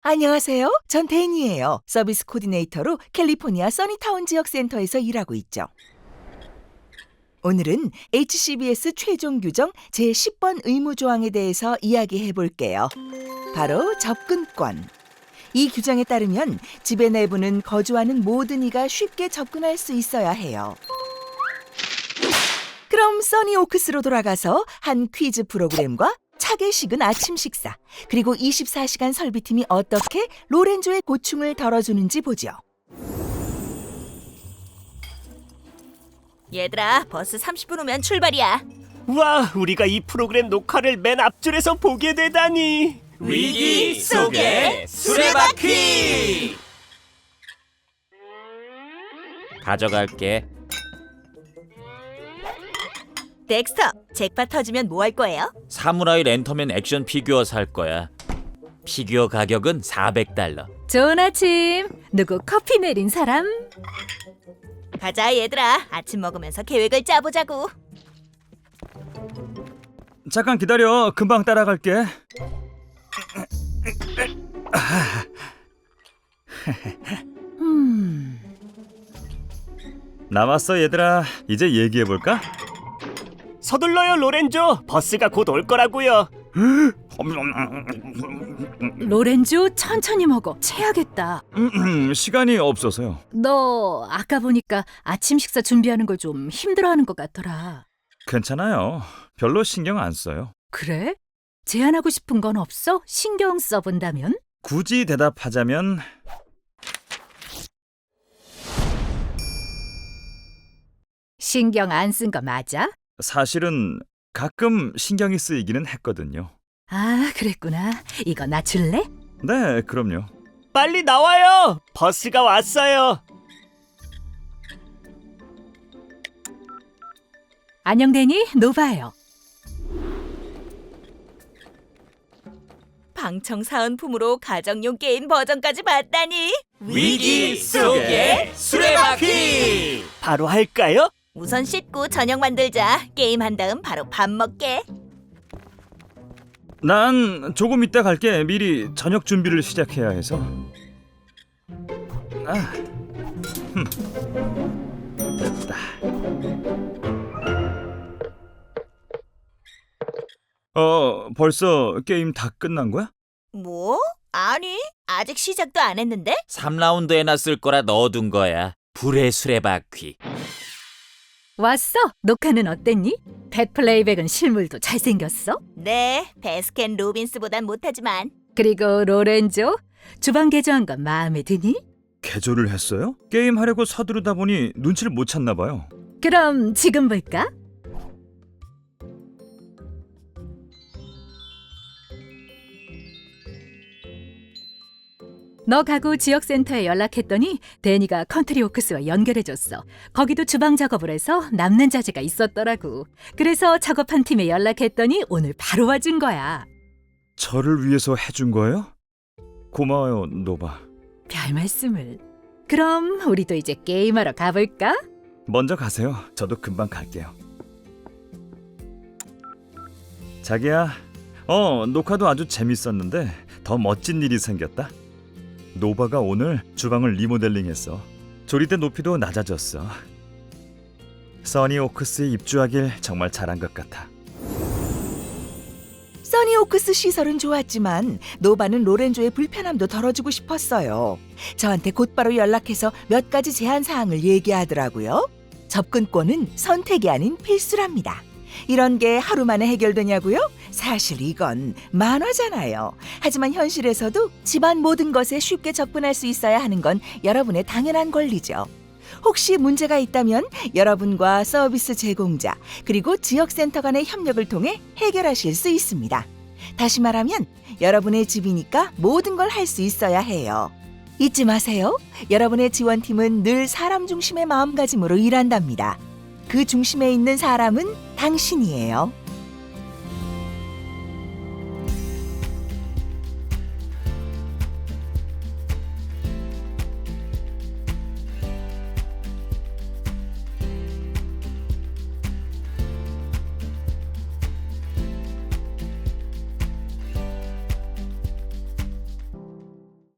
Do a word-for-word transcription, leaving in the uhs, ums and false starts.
안녕하세요. 전 데니예요. 서비스 코디네이터로 캘리포니아 써니타운 지역 센터에서 일하고 있죠. 오늘은 에이치씨비에스 최종 규정 제십 번 의무 조항에 대해서 이야기해 볼게요. 바로 접근권. 이 규정에 따르면 집의 내부는 거주하는 모든 이가 쉽게 접근할 수 있어야 해요. 그럼 써니오크스로 돌아가서 한 퀴즈 프로그램과 차게 식은 아침 식사, 그리고 이십사 시간 설비팀이 어떻게 로렌조의 고충을 덜어주는지 보죠. 얘들아, 버스 삼십 분 후면 출발이야. 와, 우리가 이 프로그램 녹화를 맨 앞줄에서 보게 되다니. 위기 속의 수레바퀴! 가져갈게. 덱스터, 잭팟 터지면 뭐 할 거예요? 사무라이 랜터맨 액션 피규어 살 거야. 피규어 가격은 사백 달러. 좋은 아침. 누구 커피 내린 사람? 가자 얘들아, 아침 먹으면서 계획을 짜보자고. 잠깐 기다려. 금방 따라갈게. 음, 남았어 얘들아. 이제 얘기해볼까? 서둘러요, 로렌조. 버스가 곧 올 거라고요. 로렌조 천천히 먹어. 체하겠다. 음, 시간이 없어서요. 너 아까 보니까 아침 식사 준비하는 걸 좀 힘들어하는 것 같더라. 괜찮아요. 별로 신경 안 써요. 그래? 제안하고 싶은 건 없어? 신경 써본다면? 굳이 대답하자면 신경 안 쓴 거 맞아? 사실은 가끔 신경이 쓰이기는 했거든요. 아, 그랬구나. 이거 나 줄래? 네, 그럼요. 빨리 나와요. 버스가 왔어요. 안녕 데니, 노바예요. 방청 사은품으로 가정용 게임 버전까지 봤다니. 위기 속의 수레바퀴! 바로 할까요? 우선 씻고 저녁 만들자. 게임 한 다음 바로 밥 먹게. 난 조금 이따 갈게. 미리 저녁 준비를 시작해야 해서. 아, 흠. 됐다. 어, 벌써 게임 다 끝난 거야? 뭐? 아니, 아직 시작도 안 했는데? 삼 라운드 해놨을 거라 넣어둔 거야. 불의 수레바퀴. 왔어? 녹화는 어땠니? 팻 플레이백은 실물도 잘생겼어? 네, 베스킨 로빈스보단 못하지만. 그리고 로렌조, 주방 개조한 건 마음에 드니? 개조를 했어요? 게임 하려고 서두르다 보니 눈치를 못 챘나 봐요. 그럼 지금 볼까? 너 가구 지역센터에 연락했더니 데니가 컨트리 오크스와 연결해줬어. 거기도 주방 작업을 해서 남는 자재가 있었더라고. 그래서 작업한 팀에 연락했더니 오늘 바로 와준 거야. 저를 위해서 해준 거예요? 고마워요, 노바. 별 말씀을. 그럼 우리도 이제 게임하러 가볼까? 먼저 가세요. 저도 금방 갈게요. 자기야, 어, 녹화도 아주 재밌었는데 더 멋진 일이 생겼다. 노바가 오늘 주방을 리모델링했어. 조리대 높이도 낮아졌어. 써니오크스에 입주하길 정말 잘한 것 같아. 써니오크스 시설은 좋았지만 노바는 로렌조의 불편함도 덜어주고 싶었어요. 저한테 곧바로 연락해서 몇 가지 제한 사항을 얘기하더라고요. 접근권은 선택이 아닌 필수랍니다. 이런 게 하루 만에 해결되냐고요? 사실 이건 만화잖아요. 하지만 현실에서도 집안 모든 것에 쉽게 접근할 수 있어야 하는 건 여러분의 당연한 권리죠. 혹시 문제가 있다면 여러분과 서비스 제공자 그리고 지역센터 간의 협력을 통해 해결하실 수 있습니다. 다시 말하면 여러분의 집이니까 모든 걸 할 수 있어야 해요. 잊지 마세요. 여러분의 지원팀은 늘 사람 중심의 마음가짐으로 일한답니다. 그 중심에 있는 사람은 당신이에요.